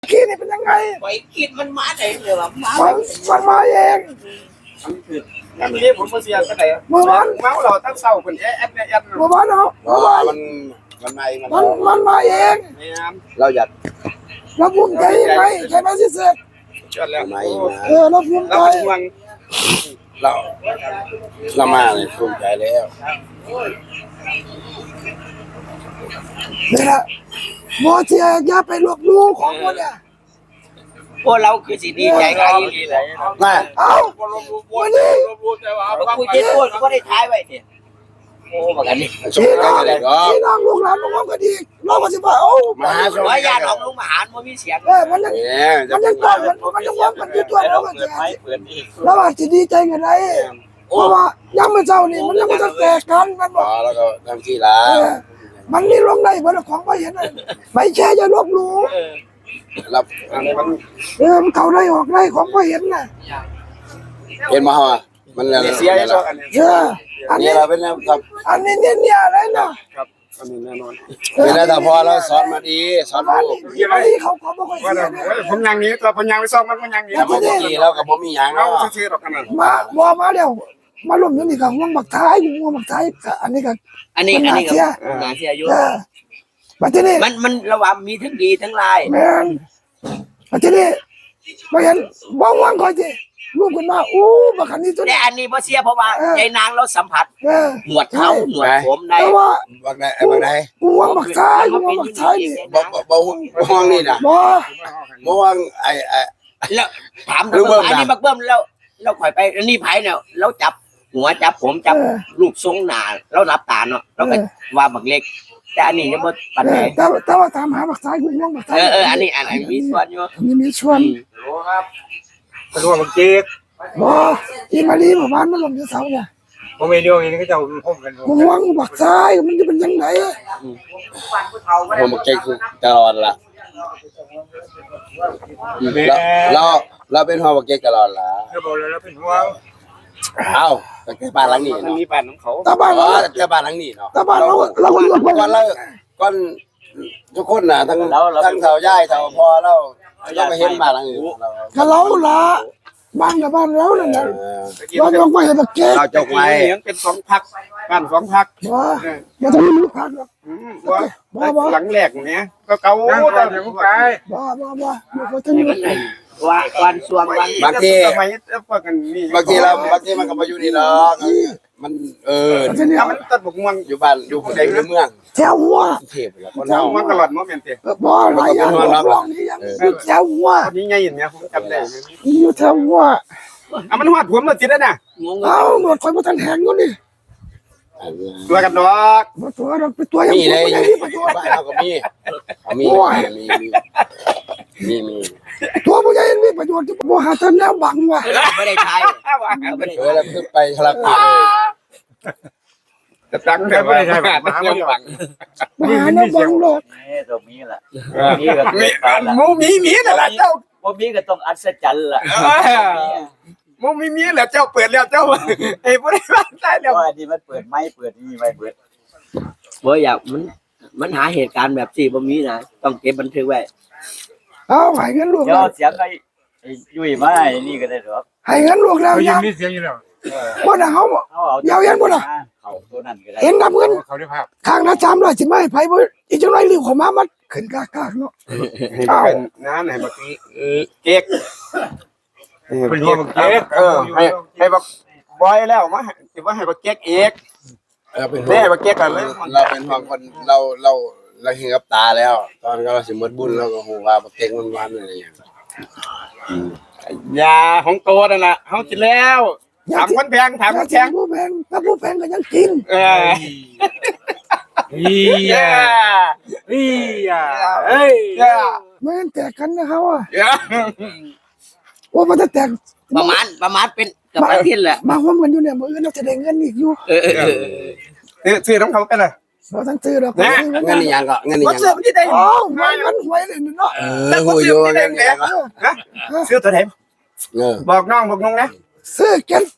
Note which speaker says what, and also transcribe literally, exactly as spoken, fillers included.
Speaker 1: คิดนี่เป็นยังไง
Speaker 2: ไปคิดมันมาได้เลยว่ามา
Speaker 1: มันมันมาเอง
Speaker 3: อันนี้ผมมาเสียก็ได้เมื่อวานเมาเราตั้งเศร้าคนแอดแอดแอด
Speaker 1: เมื่อวานเนาะเมื่อวาน
Speaker 4: มันมันไม่
Speaker 1: มันมันมาเอง
Speaker 4: เราอยาก
Speaker 1: เราภูมิใจยังไงใช่ไหมสิเสก
Speaker 3: เชื่อแล้ว
Speaker 1: เออเราภูมิใจ
Speaker 4: เราเรามาเลยภูมิใจแล้ว
Speaker 1: นี่แหละโมเทียอย่าไปลบลู่ของคนเนี่ย
Speaker 2: พวกเราคือสิดีใจกันอีหลีเลย
Speaker 4: มา
Speaker 1: เอ้าวันนี้
Speaker 2: คุยเจ็ดคนก็ได้ท้ายไว้เนี่ยโอ้บักอันนี้
Speaker 4: ช่วยกันเลยก็
Speaker 1: ที่นั่งลูกหลานลูกน้องก็ดีเราก็สิว่าโอ้
Speaker 4: มาช่วย
Speaker 2: ว่าญาติของลุงมหารมันมีเสียง
Speaker 1: เออมันยังมันยังต้องมันมันยังว่ามันอยู่ตัวเราก็แก่แล้วว่าสิดีใจกันได้เพราะว่ายังไม่เจ้านี่มันยังไม่แตกกันมันบอก
Speaker 4: แล้วก็ทำที่ละ
Speaker 1: มันมีลงได้บ่ของบ่เห็นไม่แช่จะลบลู่
Speaker 4: รับอะไรมัน
Speaker 1: เออมันเข้าได้ออกได้ของบ่เห็นน่ะ
Speaker 4: เห็นมาฮะมันเสีย
Speaker 1: แล้วเออ
Speaker 4: อันนี้เราเป็นครับ
Speaker 1: อันนี้เนี่ยเนี่ยอะไรเนาะ
Speaker 3: ครับอันนี้แน่นอน
Speaker 4: เวลาแต่พอเราสอนมาดีสอนลูก
Speaker 1: เขาเขาบ่ค่อยเสีย
Speaker 3: ผมยังนี้เราพยังไปซ่อมมันมันยังนี้
Speaker 4: เมื่อกี้เรากับผมมีอย่าง
Speaker 3: เรา
Speaker 4: เนาะ
Speaker 3: ชื่อหรอกกัน
Speaker 1: มาบ่มาแล้วมาล้มอยู่นี่ก็ห่วงบักท้ายห่วงบักท้ายอันนี้ก็
Speaker 2: อันนี้อันนี้ก็น่าเสียอยู่
Speaker 1: บัดนี้
Speaker 2: มันมันระหว่างมีทั้งดีทั้งลาย
Speaker 1: แม่นบัดนี้บ่เห็นบ่หวังค่อยสิลูกขึ้นมาอู้บักคันนี้ตัว
Speaker 2: แต่อันนี้บ่เสียเพราะว่ายายนางเราสัมผัสหนวดเท้าหนวดผมได้
Speaker 1: แต่ว่า
Speaker 4: บักไหนบักไหน
Speaker 1: ห่วงบักท้ายห่วงบักท้ายนี่
Speaker 4: บ่บ่ห่วงนี่น่ะ
Speaker 1: บ่
Speaker 4: บ่ห่วงไอ้ไอ้
Speaker 2: แล้วถามดูอันนี้บักเบิ้มแล้วเราข่อยไปอันนี้ไผเนี่ยเราจับหัวจับผมจับรูปทรงหน้าเรารับตาเนาะเราก็ว่าบักเล็กแต่อันนี้ยังบ่ปานใด
Speaker 1: แต่แต่ว่าตามหาบักท้ายห่วงบักท้าย
Speaker 2: เออเอออันนี้อันนี้มีส่วนอยู่
Speaker 1: นี่มีส่วน
Speaker 3: โอ้ครับเป็นว่ามันเจ๊ก
Speaker 1: บ่อีมาลีบ่บ้านมันลงอยู่เสาเนี่ย
Speaker 3: ผมไม่เดียวนี่ก็จะผมกัน
Speaker 1: ห่วงบักท้ายมันจะเป็นจังได๋
Speaker 4: ผมบักเจ๊กตลอดล่ะเราเราเป็นห่วงบักเจ๊กตลอดล่ะ
Speaker 3: เราบอกเลยเราเป็นห่วง
Speaker 4: เอ้าแต่แค่บ้านหลังนี้
Speaker 3: มันมีบ้านของเขา
Speaker 1: แต่บ้านเรา
Speaker 4: แต่แค่บ้านหลังนี้เนาะ
Speaker 1: แต่บ้านเราเราก็อยู่
Speaker 4: ก่อนเราก่อนทุกคนน่ะทั้งทั้งเฒ่าย่ายเฒ่าพ่อเราเราก็เห็นบ้านหลังนี้
Speaker 1: ก็เราล่ะบ้านกับบ้านเรานั่นน่ะเรายกไปให้บักเจ๊
Speaker 4: เราจกไว้
Speaker 3: เป็นสองพักบ้านสองพัก
Speaker 1: บ่บ่ต้องมีพักหรอก
Speaker 3: บ่บ่หลังแรกเนี้ยก็เก่าแต่ยังไป
Speaker 1: บ่บ่บ่บ่ต้องมี
Speaker 2: ว่าวันสวงวัน
Speaker 4: บางที
Speaker 3: ทำไมพวกกันนี่
Speaker 4: บางทีเราบางทีมันก็มาอยู่นี่หรอกมันเออ
Speaker 3: ถ้ามันตัดบกม่วง
Speaker 4: อยู่บ้านอยู่ในเมือง
Speaker 1: แถวหัว
Speaker 4: เทพแล้วคน
Speaker 3: เฮามันตลอดบ่แม่นติ
Speaker 1: บ่หลายอย่างร้องนี่ยังแถวหัว
Speaker 3: นี่ใหญ่เนี่ยผมจำได้
Speaker 1: อยู่แถวหัว
Speaker 3: อ่ะมันฮอดผมแล้วติดแล้วน่ะ
Speaker 1: เอ้าหมดคนบ่ทันแหงอยู่นี่
Speaker 3: ตัวกันดอก
Speaker 1: บ่ตัวดอกเป็นตัวยัง
Speaker 4: มีเลยอยู่บ้านเราก็มีมีมีมีมี
Speaker 1: ตัวผู้ใหญ่มีประโยชน์ที่บ่หาทางแนวบังว่ะ
Speaker 2: ไม่ได้ใช้
Speaker 4: เออแล้วขึ้นไปทะลักเลย
Speaker 3: จะตั้งแต่ไม่ได้ใช้มาเรื่องบัง
Speaker 1: มาหาแนวบังหรอก
Speaker 2: นี่ตรงนี้ล่ะนี่ก็
Speaker 3: หมูมีมีนั่นล่ะเจ้า
Speaker 2: บ่มีก็ต้องอัศจรรย์ล่ะ
Speaker 3: หมูมีมีแล้วเจ้าเปิดแล้วเจ้าไอ้บ่ได้บ้านได้แล้ว
Speaker 2: ว่านี่มันเปิดไม้เปิดนี่ไว้เปิดบ่อยากมันมันหาเหตุการณ์แบบสี่บ่มีนะต้องเก็บบันทึกไว้
Speaker 1: เอาให้เงินลูก
Speaker 2: เดี๋ยวเสียงไอ้ยุ่ยมาไอ้นี่ก็ได้หรอก
Speaker 1: ให้เงินลูกแล้ว
Speaker 3: ยังมีเสียงอยู่แล้ว
Speaker 1: บ่ได้เฮาเอาเย็นบ่ล่ะ
Speaker 2: เขาตัวนั้นก็ได้
Speaker 1: เห็นกับเงิน
Speaker 3: เขาได้ภาพ
Speaker 1: ข้างละสามร้อยสิมาให้ไผบ่อีจังได๋รีบเข้ามามันขึ้นกากๆเนาะ
Speaker 3: อ้าวน้าไหนบักเก๊กเป็นห่วงบักเก๊กเออให้ให้บักบอยแล้วมาสิว่าให้บักเก๊กเอก
Speaker 4: เออเป็น
Speaker 3: แม่บักเก๊กกันเลย
Speaker 4: เราเป็นห่วงคนเราเราเราเห็นกับตาแล้วตอนเราสิหมดบุญเราก็ฮู้ว่าบักเก๊กมันหวานอะไรอย่าง
Speaker 3: ยาของโตนั่นน่ะเฮากินแล้วถามคนแพงถามคนแพง
Speaker 1: ผู้แพงถ้าผู้แพงก็ยังกิน
Speaker 3: เอออีอ่ะอีอ่ะเอ้ย
Speaker 1: แม่นแตกกันนะเขาอ่ะว่ามันจะแตก
Speaker 2: ประมาณประมาณเป็นกับอาทิตย์แหละ
Speaker 1: มาร่วมกันอยู่เนี่ยมื้ออื่นเราจะได้เงินอีกอยู่
Speaker 2: เออ
Speaker 3: เออซื้อของเขาเป็นอะไร
Speaker 1: บ่ทันซื้อดอก
Speaker 4: เงินนี่ยังก็เงินนี่ยัง
Speaker 3: บ่ซื้อมันสิได้
Speaker 1: อ๋อมันมันหวยเลยเนาะ
Speaker 4: เออฮู้อยู่เงินนี่ยังก็
Speaker 3: ซื้อตัวไหน
Speaker 4: เออ
Speaker 3: บอกน้องบอกน้องนะ
Speaker 1: ซื้อเก็บ